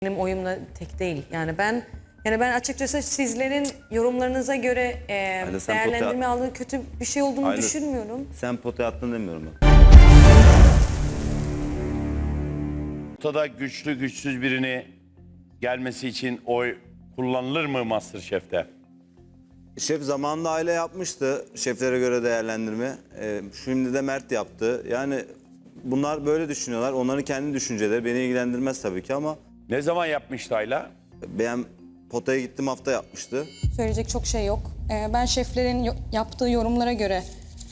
Benim oyumla tek değil. Yani ben açıkçası sizlerin yorumlarınıza göre değerlendirme aldığı kötü bir şey olduğunu düşünmüyorum. Sen potaya attın demiyorum ben. Potada güçlü güçsüz birini gelmesi için oy kullanılır mı MasterChef'te? Şef zamanında aile yapmıştı şeflere göre değerlendirme. Şimdi de Mert yaptı. Yani bunlar böyle düşünüyorlar. Onların kendi düşünceleri beni ilgilendirmez tabii ki ama Ne zaman yapmıştı Ayla? ben potaya gittim hafta yapmıştı. Söyleyecek çok şey yok. Ben şeflerin yaptığı yorumlara göre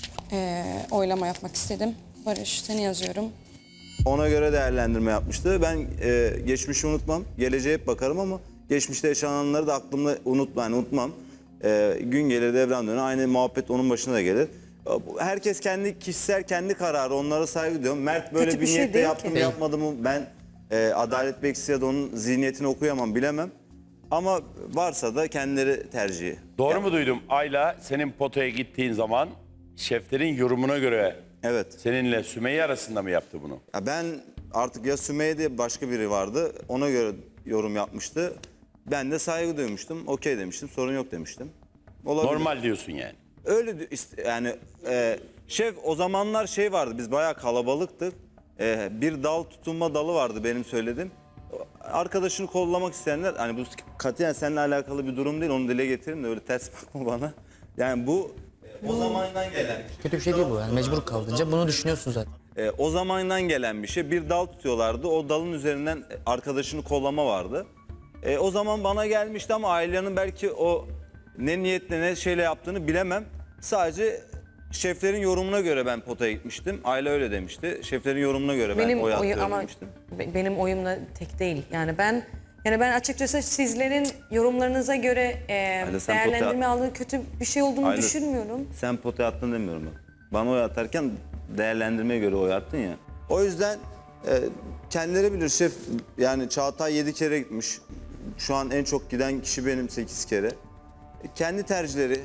oylama yapmak istedim. Barış, seni yazıyorum. Ona göre değerlendirme yapmıştı. Ben geçmişi unutmam. Geleceğe hep bakarım ama geçmişte yaşananları da aklımda unutmam. Gün gelir devran döner. Aynı muhabbet onun başına da gelir. Herkes kendi kişisel kendi kararı. Onlara saygı duyuyorum. Mert böyle Kötü bir bir şey niyetle değil yaptı ki. mı yapmadı mı ben adalet bekçisi ya da onun zihniyetini okuyamam bilemem. Ama varsa da kendileri tercihi. Doğru mu duydum? Ayla senin potaya gittiğin zaman şeflerin yorumuna göre Evet. seninle Sümeyye arasında mı yaptı bunu? Ya ben artık ya Sümeyye diye başka biri vardı. Ona göre yorum yapmıştı. Ben de saygı duymuştum. Okey demiştim. Sorun yok demiştim. Olabilir. Normal diyorsun yani. Öyle yani şef o zamanlar şey vardı. Biz bayağı kalabalıktık. Bir dal tutunma dalı vardı benim söylediğim. Arkadaşını kollamak isteyenler hani bu katiyen seninle alakalı bir durum değil. Onu dile getirin de öyle ters bakma bana. Yani bu o zamandan gelen. Kötü bir şey değil bu yani mecbur kaldınca bunu düşünüyorsun zaten. O zamandan gelen bir şey. Bir dal tutuyorlardı. O dalın üzerinden arkadaşını kollama vardı. O zaman bana gelmişti ama ailenin belki o ne niyetle ne şeyle yaptığını bilemem. Sadece şeflerin yorumuna göre ben potaya gitmiştim. Aile öyle demişti. Şeflerin yorumuna göre ben Benim oy oyum atıyorum ama demiştim. benim oyumla tek değil. Yani ben açıkçası sizlerin yorumlarınıza göre sen değerlendirme aldığı kötü bir şey olduğunu Ayla, düşünmüyorum. Sen potaya attın demiyorum ben. Bana oy atarken değerlendirmeye göre oy attın ya. O yüzden kendileri bilir şef. Yani Çağatay 7 kere gitmiş. Şu an en çok giden kişi benim 8 kere. Kendi tercihleri.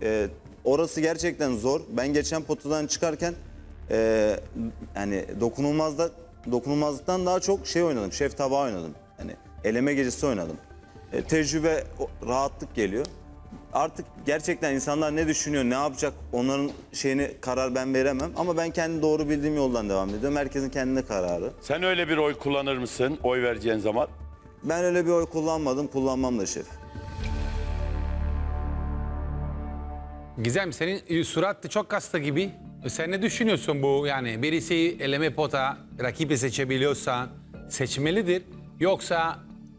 Orası gerçekten zor. Ben geçen potadan çıkarken yani dokunulmazlıktan daha çok şey oynadım. Şef tabağı oynadım. Yani eleme gecesi oynadım. Tecrübe, rahatlık geliyor. Artık gerçekten insanlar ne düşünüyor, ne yapacak onların karar ben veremem. Ama ben kendi doğru bildiğim yoldan devam ediyorum. Herkesin kendine kararı. Sen öyle bir oy kullanır mısın oy vereceğin zaman? Ben öyle bir oy kullanmadım, kullanmam da şef. Gizem senin surat çok hasta gibi. Sen ne düşünüyorsun bu yani birisi eleme pota rakibi seçebiliyorsa seçmelidir yoksa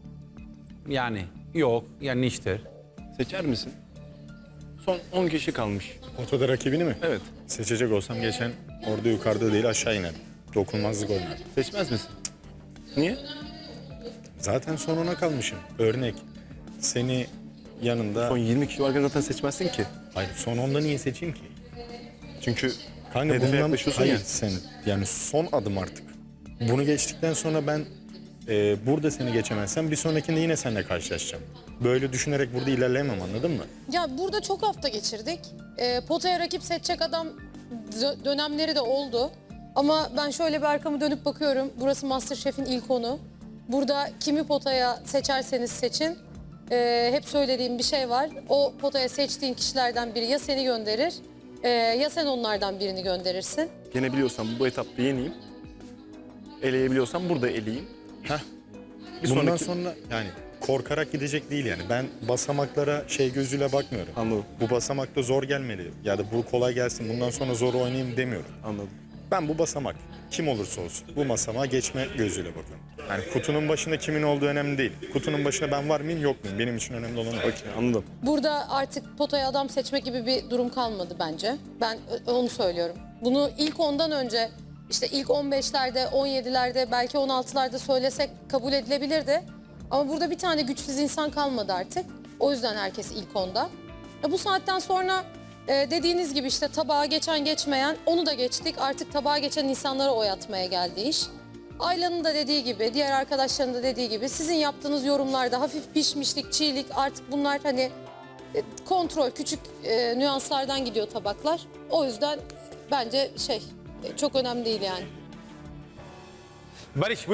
yani yok yanlıştır. Seçer misin? Son 10 kişi kalmış. Potada rakibini mi? Evet. Seçecek olsam geçen orada yukarıda değil aşağı iner. Dokunmazlık oynar. Seçmez misin? Niye? Zaten sonuna kalmışım. Örnek. Seni yanında... Son 20 kişi varken zaten seçmezsin ki. Hayır son onda niye seçeyim ki? Çünkü Kanka hedefe bundan... yaklaşıyorsun Hayır ya. sen yani son adım artık. Bunu geçtikten sonra ben burada seni geçemezsem bir sonrakinde yine seninle karşılaşacağım. Böyle düşünerek burada ilerleyemem anladın mı? Ya burada çok hafta geçirdik. Potaya rakip seçecek adam dönemleri de oldu. Ama ben şöyle bir arkamı dönüp bakıyorum. Burası MasterChef'in ilk onu. Burada kimi potaya seçerseniz seçin. Hep söylediğim bir şey var. O potaya seçtiğin kişilerden biri ya seni gönderir ya sen onlardan birini gönderirsin. Yenebiliyorsam bu etapta yeneyim. Eleyebiliyorsam burada eleyeyim. Bir Bundan sonraki... sonra yani korkarak gidecek değil yani. Ben basamaklara gözüyle bakmıyorum. Anladım. Bu basamakta zor gelmeli ya da bu kolay gelsin bundan sonra zor oynayayım demiyorum. Anladım. Ben bu basamak kim olursa olsun bu basamağa geçme gözüyle bakıyorum. Yani kutunun başında kimin olduğu önemli değil. Kutunun başında ben var mıyım yok muyum benim için önemli olan o. Okey, anladım. Burada artık potaya adam seçme gibi bir durum kalmadı bence. Ben onu söylüyorum. Bunu ilk 10'dan önce işte ilk 15'lerde, 17'lerde belki 16'larda söylesek kabul edilebilirdi. Ama burada bir tane güçsüz insan kalmadı artık. O yüzden herkes ilk 10'da. Bu saatten sonra dediğiniz gibi işte tabağa geçen geçmeyen onu da geçtik. Artık tabağa geçen insanlara oy atmaya geldi iş. Ayla'nın da dediği gibi, diğer arkadaşların da dediği gibi sizin yaptığınız yorumlarda hafif pişmişlik, çiğlik artık bunlar hani kontrol, küçük nüanslardan gidiyor tabaklar. O yüzden bence çok önemli değil yani. Barış buyurun.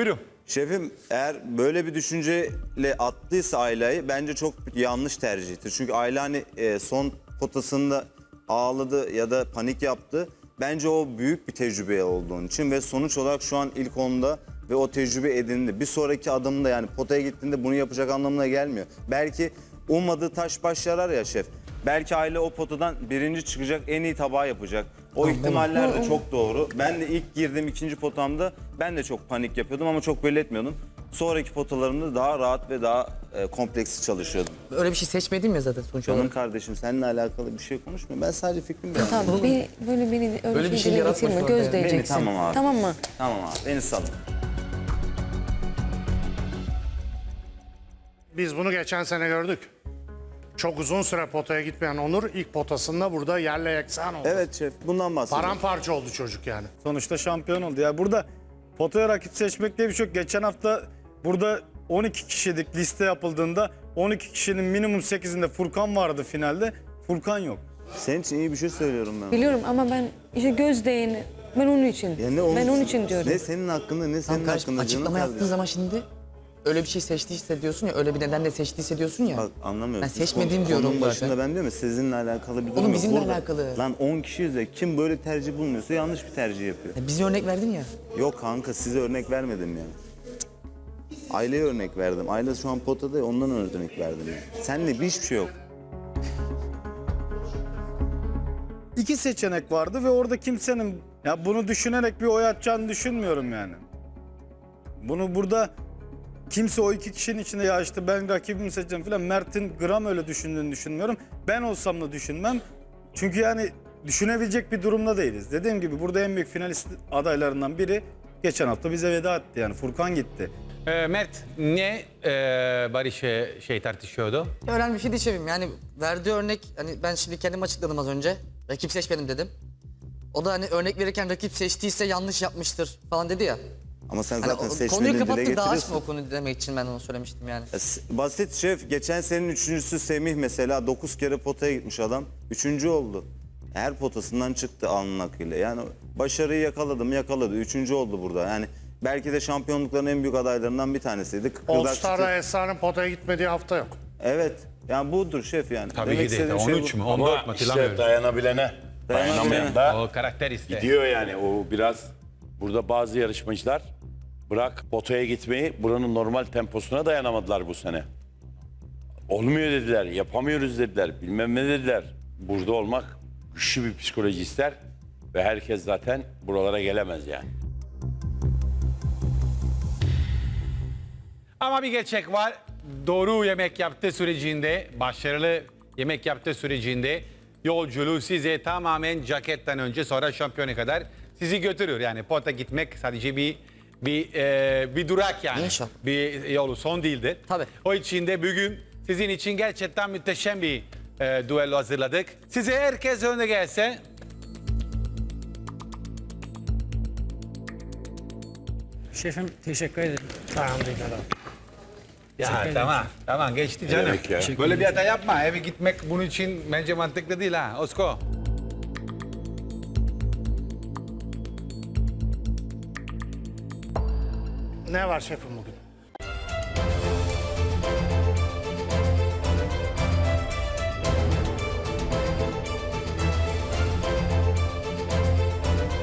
Şefim eğer böyle bir düşünceyle attıysa Ayla'yı bence çok yanlış tercihtir. Çünkü Ayla hani son potasında ağladı ya da panik yaptı. Bence o büyük bir tecrübe olduğun için ve sonuç olarak şu an ilk 10'da ve o tecrübe edindi. Bir sonraki adımda yani potaya gittiğinde bunu yapacak anlamına gelmiyor. Belki ummadığı taş baş yarar ya şef. Belki Ayla o potadan birinci çıkacak, en iyi tabağı yapacak. O ihtimaller de çok doğru. Ben de ilk girdiğim ikinci potamda ben de çok panik yapıyordum ama çok belli etmiyordum. Sonraki potalarımda daha rahat ve daha kompleksli çalışıyordum. Öyle bir şey seçmedim ya zaten sonuç Canım olarak. kardeşim seninle alakalı bir şey konuşmuyorum. Ben sadece fikrimi beyanlıyorum. Tamam beni öyle bir şey dile yaratma getirme. şu an Göz ya. değeceksin. Tamam abi. Tamam mı? Tamam abi beni salın. Biz bunu geçen sene gördük. Çok uzun süre potaya gitmeyen Onur ilk potasında burada yerle yeksan oldu. Evet şef bundan bahsediyorum. Paramparça oldu çocuk yani. Sonuçta şampiyon oldu. Ya burada potaya rakip seçmek diye bir şey yok. Geçen hafta burada 12 kişilik liste yapıldığında 12 kişinin minimum 8'inde Furkan vardı finalde. Furkan yok. Senin için iyi bir şey söylüyorum ben. Biliyorum ama ben işte göz değeni. Ben onun için. Ya ne Ben onun için diyorum. Ne senin hakkında ne Tam senin kardeşim hakkında. açıklama canım yaptığın kardeşim. zaman şimdi öyle bir şey seçtiyse diyorsun ya, öyle bir nedenle seçtiyse diyorsun ya. Bak anlamıyorum. Ben Siz seçmediğim konunun diyorum başında zaten. ben diyorum ya sizinle alakalı bir durum Oğlum yok. bizimle Burada- alakalı. Lan 10 kişiyiz ya kim böyle tercih bulmuyorsa yanlış bir tercih yapıyor. Ya bize örnek verdin ya. Yok kanka size örnek vermedim ya. Aileye örnek verdim. Aile şu an potada ya ondan örnek verdim ya. Seninle hiçbir şey yok. İki seçenek vardı ve orada kimsenin ya bunu düşünerek bir oy atacağını düşünmüyorum yani. Bunu burada kimse o iki kişinin içinde ya işte ben rakibimi seçeceğim falan Mert'in gram öyle düşündüğünü düşünmüyorum. Ben olsam da düşünmem. Çünkü yani düşünebilecek bir durumda değiliz. Dediğim gibi burada en büyük finalist adaylarından biri geçen hafta bize veda etti yani Furkan gitti. Mert ne Barış tartışıyordu? Ya önemli bir şey değil şefim. Yani verdiği örnek, hani ben şimdi kendim açıkladım az önce. Rakip seçmedim dedim. O da hani örnek verirken rakip seçtiyse yanlış yapmıştır falan dedi ya. Ama sen Hani zaten o seçmediğin konuyu dile kapattı, daha açma getiriyorsun. o konuyu demek için ben onu söylemiştim yani. Basit şef. Geçen senenin üçüncüsü Semih mesela 9 kere potaya gitmiş adam. Üçüncü oldu. Her potasından çıktı alnın akıyla. Yani başarıyı yakaladı. Üçüncü oldu burada. Yani belki de şampiyonlukların en büyük adaylarından bir tanesiydi. All Kıkırdak Star'da çıktı. Esra'nın potaya gitmediği hafta yok. Evet. Yani budur şef yani. Tabii Demek ki de. istediğim şey 13 bu. mü? 14 Ama mü? işte Hatırlamıyorum. dayanabilene, dayanamayan da O karakter iste. gidiyor yani. O biraz burada bazı yarışmacılar bırak potaya gitmeyi buranın normal temposuna dayanamadılar bu sene. Olmuyor dediler, yapamıyoruz dediler, bilmem ne dediler. Burada olmak güçlü bir psikoloji ister ve herkes zaten buralara gelemez yani. Ama bir gerçek var. Doğru yemek yaptığı sürecinde, başarılı yemek yaptığı sürecinde yolculuğu size tamamen caketten önce sonra şampiyona kadar sizi götürür. Yani pota gitmek sadece bir durak yani. İnşallah. Bir yolu son değildir. Tabii. O için de bugün sizin için gerçekten muhteşem bir duello hazırladık. Size herkes önüne gelse. Şefim teşekkür ederim. Ya tamam geçti canım. demek ya? Böyle bir hata yapma. Eve gitmek bunun için bence mantıklı değil ha. Osko. Ne var şefim bugün?